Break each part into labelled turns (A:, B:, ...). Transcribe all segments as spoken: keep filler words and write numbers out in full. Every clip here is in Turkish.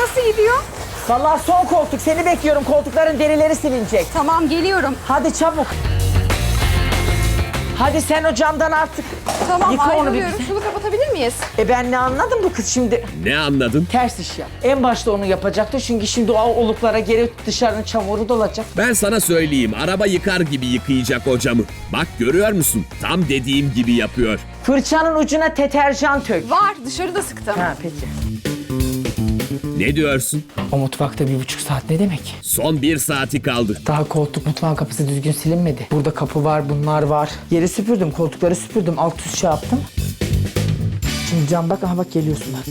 A: nasıl gidiyor?
B: Vallahi son koltuk. Seni bekliyorum. Koltukların derileri silinecek.
A: Tamam, geliyorum.
B: Hadi çabuk. Hadi sen o camdan artık.
A: Tamam,
B: yıka onu bir
A: ayrılıyorum.
B: güzel.
A: Şunu kapatabilir miyiz?
B: E ben ne anladım bu kız şimdi?
C: Ne anladın?
B: Ters iş yap. En başta onu yapacaktı çünkü şimdi o oluklara geri dışarının çamuru dolacak.
C: Ben sana söyleyeyim, araba yıkar gibi yıkayacak o camı. Bak görüyor musun? Tam dediğim gibi yapıyor.
B: Fırçanın ucuna deterjan tök.
A: Var, dışarıda sıktım.
B: Ha peki.
C: Ne diyorsun?
B: O mutfakta bir buçuk saat ne demek?
C: Son bir saati kaldı.
B: Daha koltuk mutfağın kapısı düzgün silinmedi. Burada kapı var, bunlar var. Yeri süpürdüm, koltukları süpürdüm, alt üst şey yaptım. Şimdi cam bak, aha bak geliyorsun bak.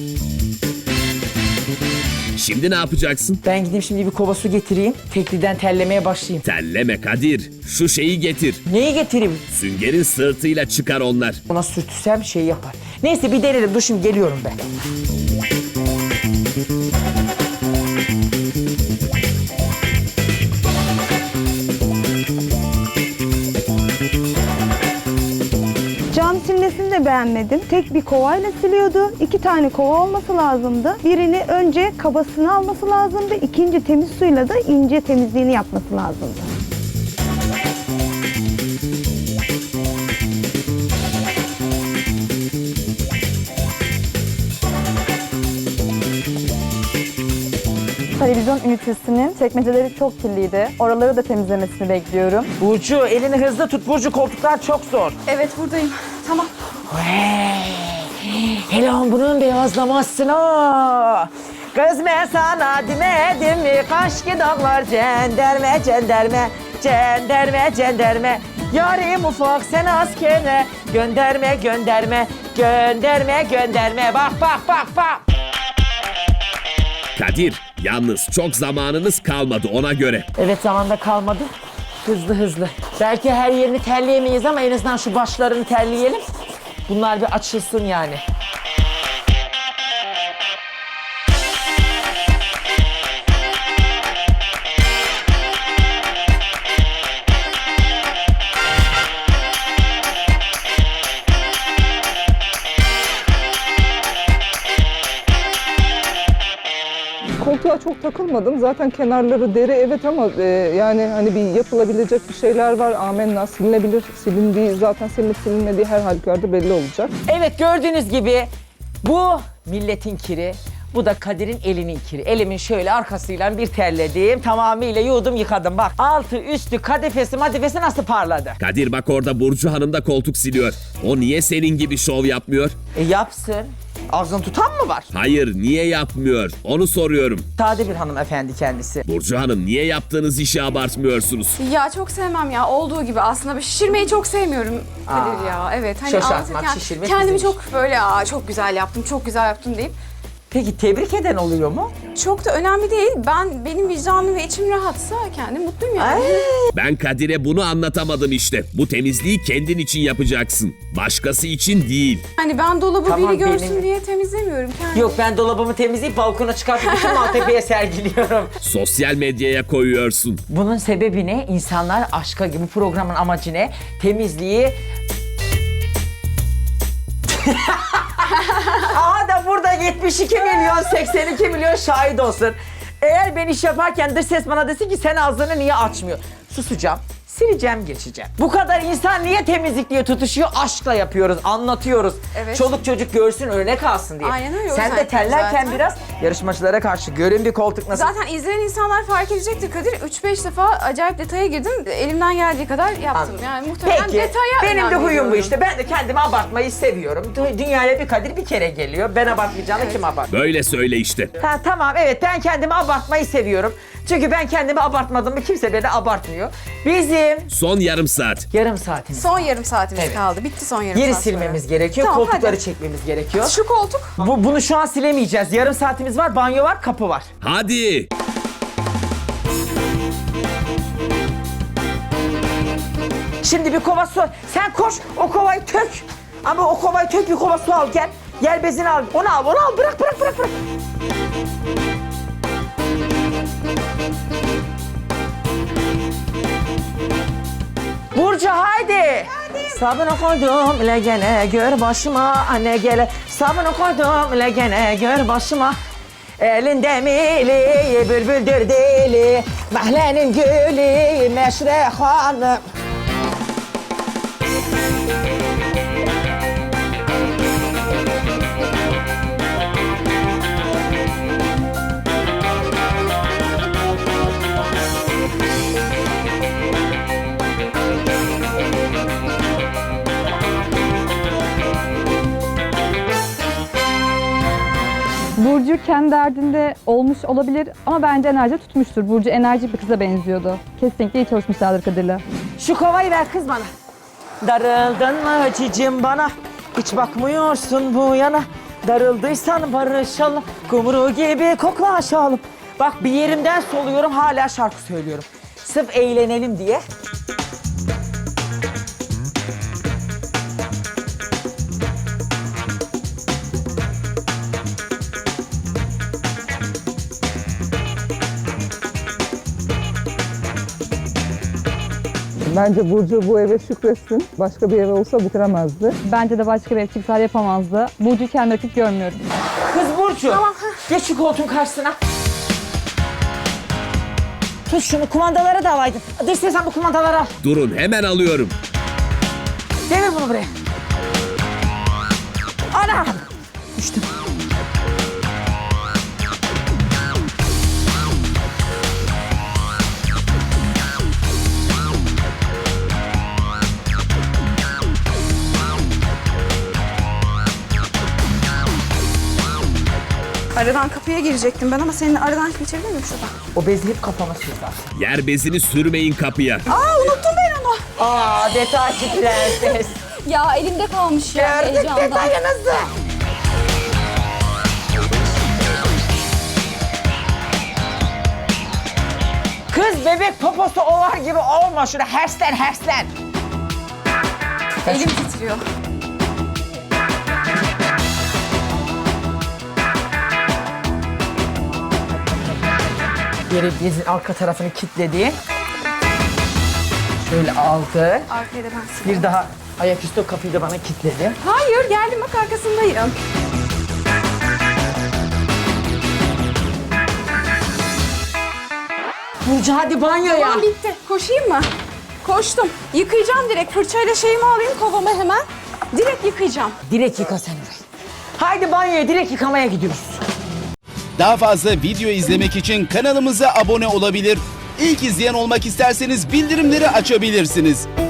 C: Şimdi ne yapacaksın?
B: Ben gideyim şimdi bir kova su getireyim. Tekliden tellemeye başlayayım.
C: Telleme Kadir. Şu şeyi getir.
B: Neyi getireyim?
C: Süngerin sırtıyla çıkar onlar.
B: Ona sürtüsem şey yapar. Neyse bir denerim. Dur şimdi geliyorum ben.
D: Cam silmesini de beğenmedim. Tek bir kovayla siliyordu. İki tane kova olması lazımdı. Birini önce kabasını alması lazımdı. İkinci temiz suyla da ince temizliğini yapması lazımdı.
E: Televizyon ünitesinin çekmeceleri çok kirliydi. Oraları da temizlemesini bekliyorum.
B: Burcu elini hızlı tut. Burcu koltuklar çok zor.
A: Evet, buradayım. Tamam.
B: Hele bunun beyazlamasın ha. Kız ben sana demedim mi? Kaş ki dağlar cenderme cenderme cenderme cenderme. Yarim ufak sen askere gönderme gönderme gönderme gönderme. Bak bak bak bak.
C: Kadir, yalnız çok zamanınız kalmadı ona göre.
B: Evet zamanda kalmadı. Hızlı hızlı. Belki her yerini terleyemeyiz ama en azından şu başlarını terleyelim. Bunlar bir açılsın yani.
F: Koltuğa çok takılmadım. Zaten kenarları deri evet ama e, yani hani bir yapılabilecek bir şeyler var. Amenna silinebilir. Silindiği zaten silinip silinmediği her halükarda belli olacak.
B: Evet gördüğünüz gibi bu milletin kiri. Bu da Kadir'in elinin kiri. Elimin şöyle arkasıyla bir terledim. Tamamıyla yudum yıkadım bak. Altı üstü kadifesi madifesi nasıl parladı.
C: Kadir bak orada Burcu Hanım da koltuk siliyor. O niye senin gibi şov yapmıyor?
B: E yapsın. Ağzını tutan mı var?
C: Hayır, niye yapmıyor? Onu soruyorum.
B: Sade bir hanımefendi kendisi.
C: Burcu Hanım, niye yaptığınız işi abartmıyorsunuz?
A: Ya çok sevmem ya, olduğu gibi aslında. Ben şişirmeyi çok sevmiyorum Kadir
B: Aa,
A: ya. Evet. Hani
B: şaşartmak,
A: anlatırken
B: şişirmek
A: kendimi
B: bizim
A: çok böyle aa çok güzel yaptım, çok güzel yaptım deyip
B: Peki tebrik eden oluyor mu?
A: çok da önemli değil. Ben benim vicdanım ve içim rahatsa kendim mutluyum yani.
C: Ben Kadir'e bunu anlatamadım işte. Bu temizliği kendin için yapacaksın. Başkası için değil.
A: Hani ben dolabı
B: Tamam,
A: biri görsün
B: benim-
A: diye temizlemiyorum kendim.
B: Yok ben dolabımı temizleyip balkona çıkartıp bütün Maltepe'ye sergiliyorum.
C: Sosyal medyaya koyuyorsun.
B: Bunun sebebi ne? İnsanlar aşka gibi. Bu programın amacı ne? Temizliği... Aha da burada yetmiş iki milyon, seksen iki milyon şahit olsun. Eğer ben iş yaparken dış ses bana desin ki sen ağzını niye açmıyor? Susacağım. Sileceğim, geçeceğim. Bu kadar insan niye temizlik diye tutuşuyor? Aşkla yapıyoruz, anlatıyoruz.
A: Evet.
B: Çoluk çocuk görsün, örnek alsın diye.
A: Aynen öyle, o
B: Sen
A: yüzden
B: de terlerken
A: zaten.
B: biraz yarışmacılara karşı görün bir koltuk nasıl...
A: Zaten izleyen insanlar fark edecektir Kadir. üç beş defa acayip detaya girdim. Elimden geldiği kadar yaptım.
B: Anladım.
A: Yani muhtemelen
B: Peki,
A: detaya
B: benim
A: önem
B: de huyum bu
A: veriyorum.
B: işte. Ben de kendimi abartmayı seviyorum. Dü- Dünyaya bir Kadir bir kere geliyor. Ben abartmayacağını kim abart?
C: Böyle söyle işte.
B: Ha, tamam evet ben kendimi abartmayı seviyorum. Çünkü ben kendimi abartmadım mı kimse beni abartmıyor. Bizim
C: Son yarım saat.
B: yarım saatimiz.
A: Son yarım saatimiz
B: Evet.
A: kaldı. Bitti son yarım
B: Yeri
A: saat
B: silmemiz
A: sonra.
B: gerekiyor.
A: Tamam,
B: koltukları
A: hadi.
B: çekmemiz gerekiyor.
A: Şu koltuk.
B: Bu, bunu şu an silemeyeceğiz. Yarım saatimiz var. Banyo var, kapı var.
C: Hadi.
B: Şimdi bir kova su. Sen koş o kovayı tök. Ama o kovayı tök bir kova su al gel. Yer bezini al. Onu al, onu al. Bırak, bırak, bırak, bırak. Burcu haydi. Sabunu koydum le gene gör başıma anne gele. Sabunu koydum le gene gör başıma. Elinde mili, bülbüldür dili, mahallenin gülü, Meşre Hanım.
E: Burcu kendi derdinde olmuş olabilir ama bence enerji tutmuştur. Burcu enerjik bir kıza benziyordu. Kesinlikle iyi çalışmışlardır Kadir'le.
B: Şu kovayı ver kız bana. Darıldın mı cicim bana? Hiç bakmıyorsun bu yana. Darıldıysan barışalım. Kumru gibi koklaşalım. Bak bir yerimden soluyorum hala şarkı söylüyorum. Sırf eğlenelim diye.
F: Bence Burcu bu eve şükretsin. Başka bir eve olsa bitiremezdi.
E: Bence de başka bir çıksalar yapamazdı. Burcu'yu kendi rakip görmüyorum.
B: Kız Burcu. Tamam. Geç şu koltuğun karşısına. Tut şunu kumandalara da alaydın. Hadi istersen bu kumandaları al.
C: Durun hemen alıyorum.
B: Devir bunu buraya. Ana! Düştüm.
A: Aradan kapıya girecektim ben ama senin aradan geçebilir miyim şuradan?
B: O bezi hep kafama sürdü.
C: Yer bezini sürmeyin kapıya.
A: Aa unuttum ben onu.
B: Aa detaycı prenses.
A: Ya elimde kalmış ya
B: Gördük
A: heyecandan.
B: detayınızı. Kız bebek poposu ovar gibi olma şuna herslen herslen.
A: Elim titriyor.
B: Yere bezin arka tarafını kilitledi. Şöyle aldı.
A: Arkaya da ben sileyim.
B: Bir daha ayaküstü o kapıyı da bana kilitledi.
A: Hayır geldim bak arkasındayım.
B: Burcu hadi banyoya.
A: Tamam bitti. Koşayım mı? Koştum. Yıkayacağım direkt. Fırçayla şeyimi alayım kovama hemen. Direkt yıkayacağım.
B: Direkt yıka sen orayı. Haydi banyoya direkt yıkamaya gidiyoruz.
G: Daha fazla video izlemek için kanalımıza abone olabilir. İlk izleyen olmak isterseniz bildirimleri açabilirsiniz.